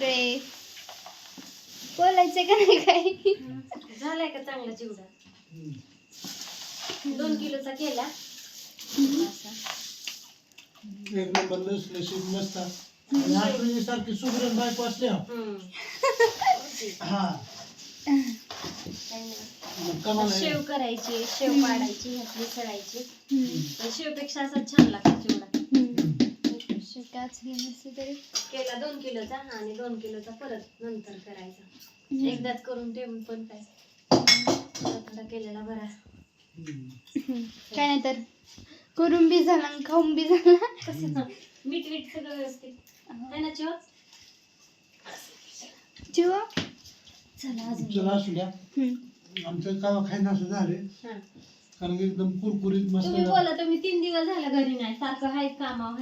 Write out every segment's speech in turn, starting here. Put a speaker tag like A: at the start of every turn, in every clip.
A: रे बोलायचं का नाही काही
B: झालाय का चांगला चिवडा 2 किलोचा केला
C: एक नंबर लसलशीत मस्त आणि आपली सारखी सुगरण बायको असल्या हा कमाल आहे.
B: शेव करायची शेव पाडायची ह्यातली सळायची शेवपेक्षा असा छान लागतो चिवडा
A: शिकाच हे नसते तरी
B: केला 2 किलोचा आणि 2 किलोचा परत नंतर करायचा एकदाच करून ठेवून पण काय थोडा केलेला बरा
A: काय नाही तर करून बी झाला आणि खाऊन बी झाला
B: कसं मीठ सगळं व्यवस्थित आहे ना चिवा
A: चिवा
B: चला अजून
C: चला असू द्या आमचं कावा खायला असं झाले कारण की एकदम कुरकुरीत मस्त
B: तुम्ही बोला तुम्ही 3 दिवस झाला घरी नाही सारखं हायच कामाव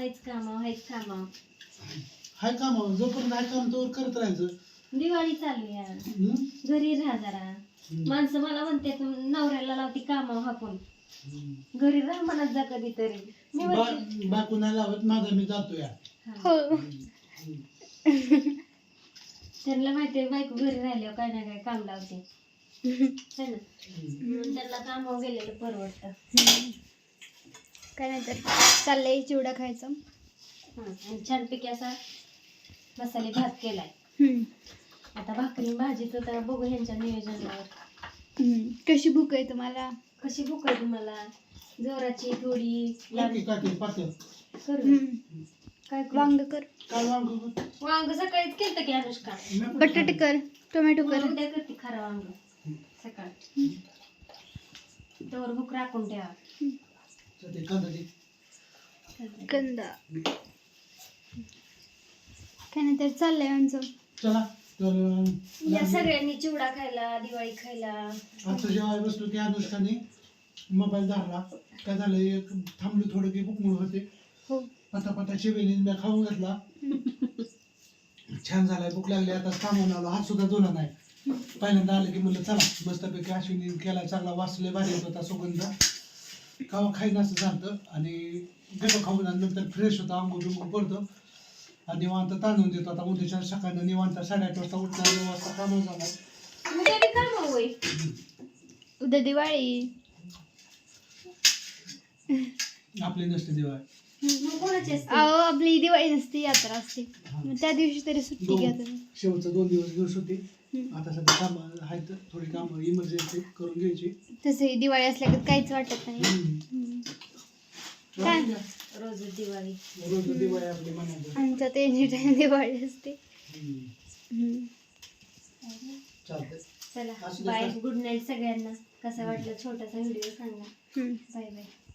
C: हाय काम जोपर्यंत हाय काम तोवर करत राहायचं
B: दिवाळी चालू आहे घरी राहा जरा माणसं मला म्हणते नवऱ्याला लावती कामाव हाकून घरी राहा म्हणत जा कधीतरी मी म्हणते
C: बायको नाही लावत माझा मी जातो या
A: हो
B: त्यांना माहितीये बायको घरी राहिल्यावर काय ना काय काम लावते है ना म्हणून त्यांना कामावर गेलेलं परवडतं
A: काय नाही तर चाललंय चिवडा खायचं
B: आणि छानपैकी असा मसाले भात केलाय आता भाकरी भाजीचं तर बघू ह्यांच्या नियोजनावर
A: कशी भूक आहे तुम्हाला
B: कशी भूक आहे तुम्हाला जोराची थोडी
C: काकी पातळ
B: करू काय
A: वांग कर
C: काय वांग
B: वांग सकाळीच केलं की अनुष्का
A: बटाटे कर टोमॅटो कर
B: उद्या करते खरं वांग सकाळी तोवर भूक राखून ठेवा
A: कंदा काय नाही तर चाललंय आमचं
C: चला तर
B: या सगळ्यांनी चिवडा खायला दिवाळी खायला
C: आता जेव्हा बसलो की अनुष्काने मोबाईल धरला काय झालं एक थांबलो थोडं की भूक होते
A: हो
C: पटापटा शेवेली मी खाऊन घातला छान झालाय भूक लागली आता थांबून आलो हात सुद्धा धुला नाही पहिल्यांदा आलं की म्हणलं चला मस्तपैकी अश्विनी केला चांगला वाचले भारी येत होता सुगंध खावा खाईन असं झालं आणि गेलो खाऊन आणि नंतर फ्रेश होता आंघोळ बिंघोळ करतो आणि निवांत तांदून देतो आता उद्याच्या सकाळनं निवांत 8:30 वाजता उठणार 9 वाजता कामावर जाणार
B: उद्या बी काम होय
A: उद्या दिवाळी
C: आपली नसते दिवाळी
B: मग कोणाची असते
A: अहो आपली दिवाळी नसते यात्रा असते मग त्या दिवशी तरी सुट्टी घ्या तुम्ही
C: शेवटचं 2 दिवस होते आता सध्या काम आहेत थोडी कामं इमर्जन्सी करून घ्यायची
A: तसे दिवाळी असल्या की काहीच वाटत नाही काय
B: रोज दिवाळी
C: रोज दिवाळी आपली म्हणायचं
A: आमच्यात एनी टाइम दिवाळी असते
C: चालतंय
B: चला बाय गुड नाईट सगळ्यांना कसा वाटला छोटासा व्हिडिओ सांगा बाय बाय